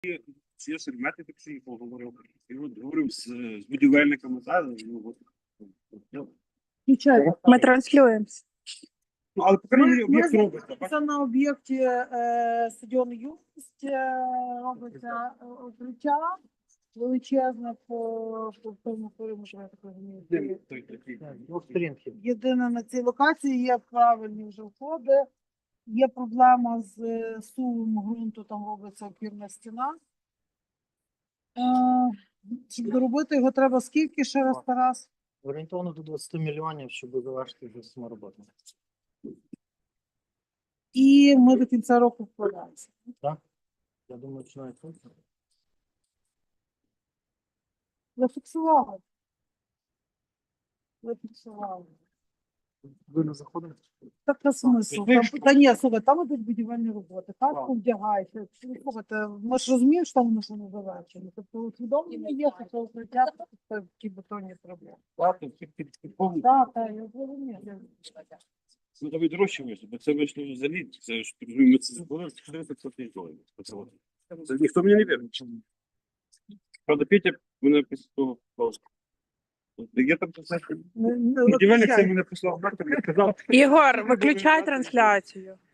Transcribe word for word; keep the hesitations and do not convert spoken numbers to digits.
Ці сермети так всі поговорив. І от говорив з, з будівельниками, та, ну, от, ну, Ми транслюємося. ну, але по крайній мірі Ми, об'єкт ми робиться. бачите? знаходимося на об'єкті е, стадіону Юність, е, робиться е, укриття величезне по, по тому периметру, я так розумію. Де той такий? Двох сторінків. Єдине на цій локації є правильні вже входи, є проблема з е, сувом ґрунту, там робиться опірна стіна. Е, щоб доробити його треба скільки ще раз, Тарас? Орієнтовно до двадцяти мільйонів, щоб завершити вже саму роботу. І ми до кінця року вкладаємося. Я думаю, що навіть тут. Зафіксували. Зафіксували. Ви не заходите? Так на смисл. Там, та ні, слухай, там ідуть будівельні роботи. Каску вдягаєшся. Слухайте, ми ж розуміємо, що там воно ще не завершено. Тобто усвідомлення є, що це укриття, це такі бетонні проблеми. Плати, під- під- під повну. Так, так, я розумію. Ну, давай дорожче вийшло, бо це вийшло взагалі, це ж, розумію, ми це зробили, чотириста п'ятдесят доларів. Оце от. Це ніхто мені не вірить. Правда, Петя мене після того сказав, я там, знаєте, Ну, ну, будівельник це виключай. мене прислав, нахер, я сказав, Ігор, виключай трансляцію.